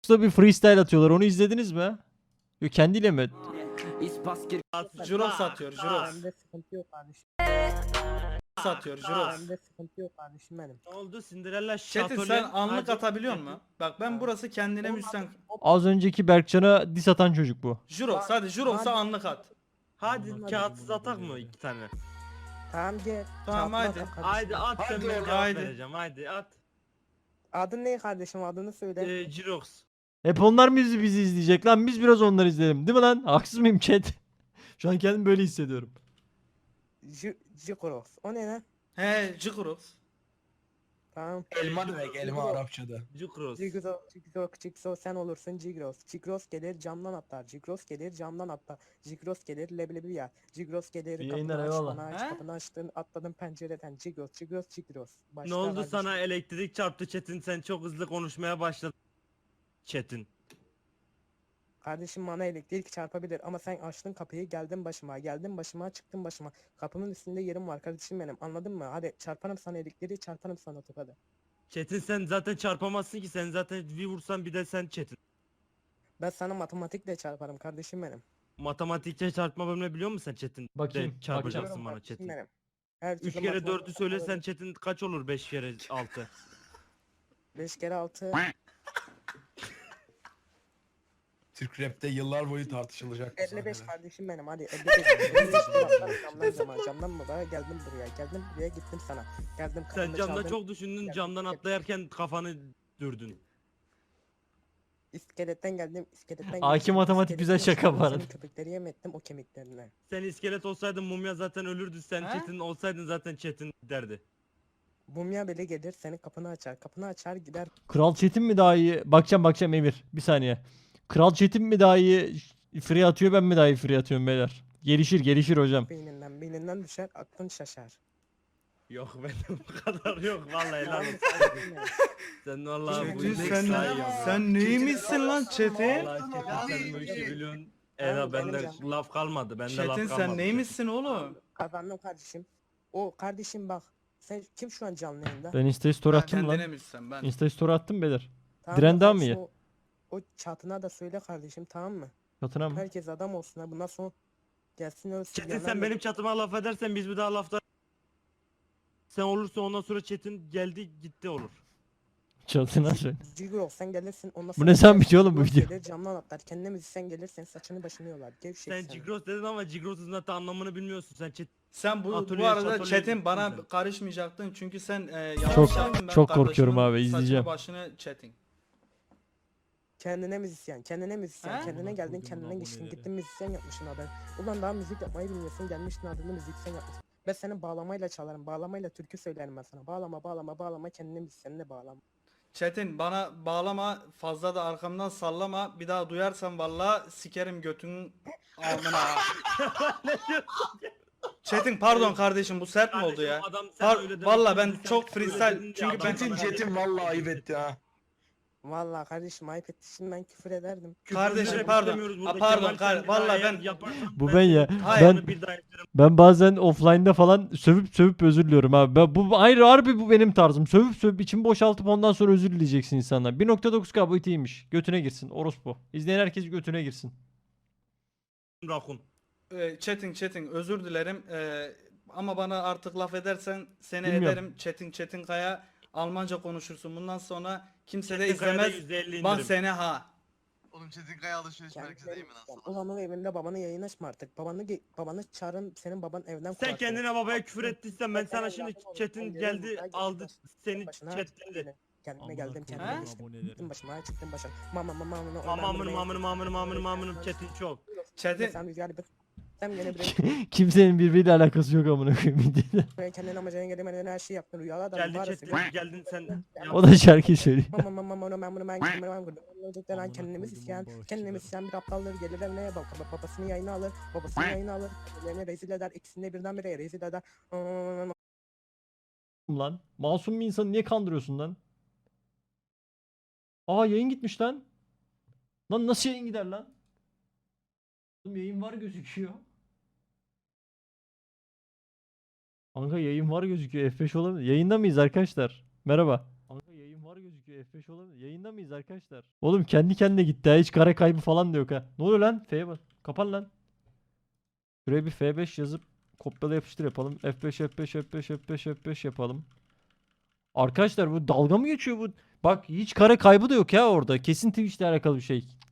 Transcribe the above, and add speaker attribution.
Speaker 1: bir freestyle atıyorlar. Onu izlediniz mi? Yok, kendiyle mi?
Speaker 2: Jurox satıyor, Jurox.
Speaker 3: Bende sıkıntı yok kardeşim.
Speaker 2: Satıyor, Jurox.
Speaker 3: Bende sıkıntı yok kardeşim benim.
Speaker 4: Ne oldu? Cinderella
Speaker 2: Çetin
Speaker 4: şatölye.
Speaker 2: sen anlık
Speaker 4: Hadi.
Speaker 2: atabiliyor musun? Bak ben burası kendine müsten.
Speaker 1: Az önceki Berkcan'a diss atan çocuk bu.
Speaker 2: Jurox hadi Jurox'a anlık at.
Speaker 4: Hadi kağıtsız atak mı 2 tane?
Speaker 3: Tamam gel.
Speaker 2: Tamam,
Speaker 3: Çarpma
Speaker 2: haydi.
Speaker 3: atak kardeşim.
Speaker 4: Haydi at sen
Speaker 5: Hadi
Speaker 4: ben
Speaker 5: oğlum,
Speaker 4: cevap
Speaker 2: haydi.
Speaker 4: vereceğim. Haydi at.
Speaker 3: Adın ne kardeşim, adını söyle.
Speaker 4: Jirox.
Speaker 1: Hep onlar mı bizi izleyecek lan? Biz biraz onları izleyelim. Değil mi lan? Haksız mıyım chat? Şu an kendimi böyle hissediyorum.
Speaker 3: Jikoros. O ne lan?
Speaker 2: He Jurox.
Speaker 3: Tamam.
Speaker 5: Elma demek, elma Arapçada.
Speaker 4: Jukros.
Speaker 3: Jigros sen olursun Jigros. Jigros gelir camdan atlar. Jigros gelir camdan atlar. Jigros gelir leblebi yer. Jigros gelir
Speaker 1: İyi
Speaker 3: kapını
Speaker 1: yayınlar,
Speaker 3: aç
Speaker 1: eyvallah.
Speaker 3: bana aç
Speaker 2: He?
Speaker 3: kapını açtın atladın pencereden. Jigros.
Speaker 4: Ne
Speaker 3: Başla
Speaker 4: oldu
Speaker 3: kardeşim.
Speaker 4: sana elektrik çarptı Çetin, sen çok hızlı konuşmaya başladın. Çetin.
Speaker 3: Kardeşim bana elektrik çarpabilir ama sen açtın kapıyı geldin başıma çıktın başıma. Kapının üstünde yerim var kardeşim benim, anladın mı? Hadi çarparım sana elektriği, çarparım sana tokadı.
Speaker 4: Çetin sen zaten çarpamazsın ki, sen zaten bir vursan bir de sen Çetin.
Speaker 3: Ben sana matematikle çarparım kardeşim benim.
Speaker 4: Matematikçe çarpma bölümünü biliyor musun sen Çetin?
Speaker 1: Bakayım,
Speaker 4: De çarpacaksın
Speaker 3: Biliyorum
Speaker 4: bana
Speaker 3: kardeşim
Speaker 4: Çetin.
Speaker 3: benim. Her
Speaker 4: 3
Speaker 3: türlü
Speaker 4: kere
Speaker 3: matematik
Speaker 4: 4'ü söylesen
Speaker 3: yaparım.
Speaker 4: Çetin kaç olur 5 kere 6?
Speaker 3: 5 kere 6.
Speaker 5: Türk rapte yıllar boyu tartışılacak. bu
Speaker 3: 55
Speaker 5: sahneler.
Speaker 3: kardeşim benim, hadi 55 camdan buraya geldim buraya gittim sana. Geldim
Speaker 4: Sen
Speaker 3: kapını
Speaker 4: camda
Speaker 3: çaldın,
Speaker 4: çok düşündün, camdan atlayarken kafanı dürdün.
Speaker 3: iskeletten geldim iskeletten
Speaker 1: Aki
Speaker 3: geçtim,
Speaker 1: matematik güzel
Speaker 3: iskeletten
Speaker 1: şaka bu
Speaker 3: çıktım,
Speaker 1: arada.
Speaker 3: senin köpekleri yem ettim o kemiklerine.
Speaker 4: Sen iskelet olsaydın mumya zaten ölürdü, sen
Speaker 2: He?
Speaker 4: Çetin olsaydın zaten Çetin derdi.
Speaker 3: Mumya bile gelir senin kapını açar gider
Speaker 1: Kral Çetin mi daha iyi? Bakacağım Emir. Bir saniye. Kral Çetin mi daha iyi free atıyor, ben mi daha iyi free atıyorum beyler? Gelişir hocam.
Speaker 3: beyninden düşer aklın şaşar.
Speaker 4: Yok benim bu kadar yok vallahi helal olsun. Sen vallahi bu
Speaker 2: Çetin
Speaker 4: işi
Speaker 2: sen,
Speaker 4: daha iyi yaptın.
Speaker 2: sen neymişsin lan Çetin?
Speaker 4: Vallahi Çetin sen bu işi biliyorsun.
Speaker 3: Aynen,
Speaker 4: Eda bende
Speaker 3: benim
Speaker 4: laf kalmadı. Bende laf
Speaker 2: Çetin
Speaker 4: kalmadı.
Speaker 2: sen neymişsin oğlum?
Speaker 3: Kazandım kardeşim. O kardeşim bak. Sen kim şu an canlı yayında?
Speaker 1: Ben Insta story attım
Speaker 2: Kendine
Speaker 1: lan.
Speaker 2: müsten ben.
Speaker 1: Insta story attım beyler.
Speaker 3: Tamam
Speaker 1: Diren
Speaker 3: mı
Speaker 1: daha mı
Speaker 3: kardeşim,
Speaker 1: iyi?
Speaker 3: O çatına da söyle kardeşim, tamam mı?
Speaker 1: Katına mı?
Speaker 3: Herkes adam olsun ha, bundan sonra gelsin ölsün.
Speaker 4: Çetin sen benim çatıma laf edersen biz bir daha lafta sen olursa ondan sonra Çetin geldi gitti olur.
Speaker 1: Çatına söyle.
Speaker 3: Cigo sen gelirsin ondan
Speaker 1: Bu
Speaker 3: sonra.
Speaker 1: ne sen biliyor oğlum bu
Speaker 3: Cigo
Speaker 1: video?
Speaker 3: gelir, camdan atlar. Kendine müzisyen gelir senin saçını başını yolar. Gevşek
Speaker 4: Sen Cigros dedin ama Cigros'un zaten anlamını bilmiyorsun. Sen Çetin
Speaker 2: Sen bu
Speaker 4: Atölye,
Speaker 2: arada
Speaker 4: şatölye
Speaker 2: Çetin
Speaker 4: gittin
Speaker 2: bana
Speaker 4: sen.
Speaker 2: karışmayacaktın çünkü sen yanlış
Speaker 1: Çok-
Speaker 2: yaptın. Ben
Speaker 1: çok korkuyorum
Speaker 2: kardeşimin
Speaker 1: abi, izleyeceğim.
Speaker 2: saçını başını Çetin.
Speaker 3: Kendine müzisyen,
Speaker 2: He?
Speaker 3: kendine geldin, kendine geçtin, gittin müzisyen yapmışsın adını. Ulan daha müzik yapmayı bilmiyorsun, gelmiştin adını müzisyen yapmışsın. Ben seni bağlamayla çalarım, bağlamayla türkü söylerim ben sana. Bağlama, kendine müzisyenle bağlama.
Speaker 2: Çetin bana bağlama, fazla da arkamdan sallama. Bir daha duyarsan valla sikerim götünün alnına. Çetin pardon kardeşim, bu sert mi oldu ya?
Speaker 4: Adam sen öyle demedin,
Speaker 2: Valla ben
Speaker 4: sen
Speaker 2: çok
Speaker 4: öyle
Speaker 2: freestyle
Speaker 4: dedin
Speaker 2: çünkü
Speaker 4: ya,
Speaker 2: ben
Speaker 4: adam
Speaker 5: Çetin vallahi ayıp etti ha.
Speaker 3: Vallahi kardeşim ayıp ettin, ben küfür ederdim.
Speaker 2: Kardeşim,
Speaker 4: Küfür
Speaker 2: pardon.
Speaker 4: istemiyoruz
Speaker 2: Ha,
Speaker 4: burada.
Speaker 2: pardon,
Speaker 4: Kemal, sen bir
Speaker 2: vallahi
Speaker 4: daha eğer
Speaker 2: ben-
Speaker 4: yaparsan
Speaker 1: Bu ben ya.
Speaker 2: Hayır.
Speaker 1: Ben
Speaker 4: onu bir daha yaparım.
Speaker 1: ben bazen offline'da falan sövüp özür diliyorum abi. Bu ayrı harbi bu benim tarzım. Sövüp içimi boşaltıp ondan sonra özür dileyeceksin insanlar. 1.9K boyutu iyiymiş. Götüne girsin. Orospu. İzleyen herkes götüne girsin.
Speaker 4: Rakun.
Speaker 2: Çetin özür dilerim. Ama bana artık laf edersen seni
Speaker 1: Bilmiyorum.
Speaker 2: ederim. Çetin Kaya Almanca konuşursun. Bundan sonra kimse de
Speaker 4: Çetin Kaya'da
Speaker 2: izlemez.
Speaker 4: %50
Speaker 2: Bak
Speaker 4: indirim.
Speaker 2: seni ha.
Speaker 5: Oğlum Çetin Kaya alışveriş merkezi değil mi lan sana?
Speaker 3: Ulan o evinde babanı yayın açma artık. Babanı çağırın, senin baban evden
Speaker 4: Sen
Speaker 3: kovar seni.
Speaker 4: kendine babaya küfür ettiysen ben sana
Speaker 3: Ben
Speaker 4: şimdi
Speaker 3: evladım oldum,
Speaker 4: Çetin
Speaker 3: ben
Speaker 4: geldi
Speaker 3: gelirim,
Speaker 4: aldı
Speaker 3: ben
Speaker 4: seni
Speaker 3: başına
Speaker 4: chatledi.
Speaker 3: Kendime geldim,
Speaker 2: Ha?
Speaker 3: kendime geçtim. Gittim başıma, çıktım başa.
Speaker 4: Mamamını Çetin çok.
Speaker 2: Çetin
Speaker 3: Sen rüzgar bir... Sen gene
Speaker 1: Kimsenin birbiriyle alakası yok amına koyayım videoda.
Speaker 3: buraya kendine amacına gelemeden her şeyi yaptın. Rüyalar da
Speaker 4: Geldi
Speaker 3: var
Speaker 4: Çetin geldin sen.
Speaker 1: O da şarkı söylüyor.
Speaker 3: Kendimiz isyan bir aptalları gelir evine babasını yayına alır, evlerine rezil eder, ikisini birden bire rezil eder.
Speaker 1: Lan. Masum bir insanı niye kandırıyorsun lan? Aa, yayın gitmiş lan. Lan nasıl yayın gider lan? Oğlum yayın var gözüküyor. Kanka yayın var gözüküyor. F5 olabilir. Yayında mıyız arkadaşlar? Merhaba. Kanka yayın var gözüküyor. F5 olabilir. Yayında mıyız arkadaşlar? Oğlum kendi kendine gitti ha. Hiç kare kaybı falan da yok ha. Ne oluyor lan? F'ye bak. Kapan lan. Şuraya bir F5 yazıp kopyala yapıştır yapalım. F5 F5 F5 F5 F5 yapalım. Arkadaşlar bu dalga mı geçiyor bu? Bak hiç kare kaybı da yok ya orada. Kesin Twitch'le alakalı bir şey.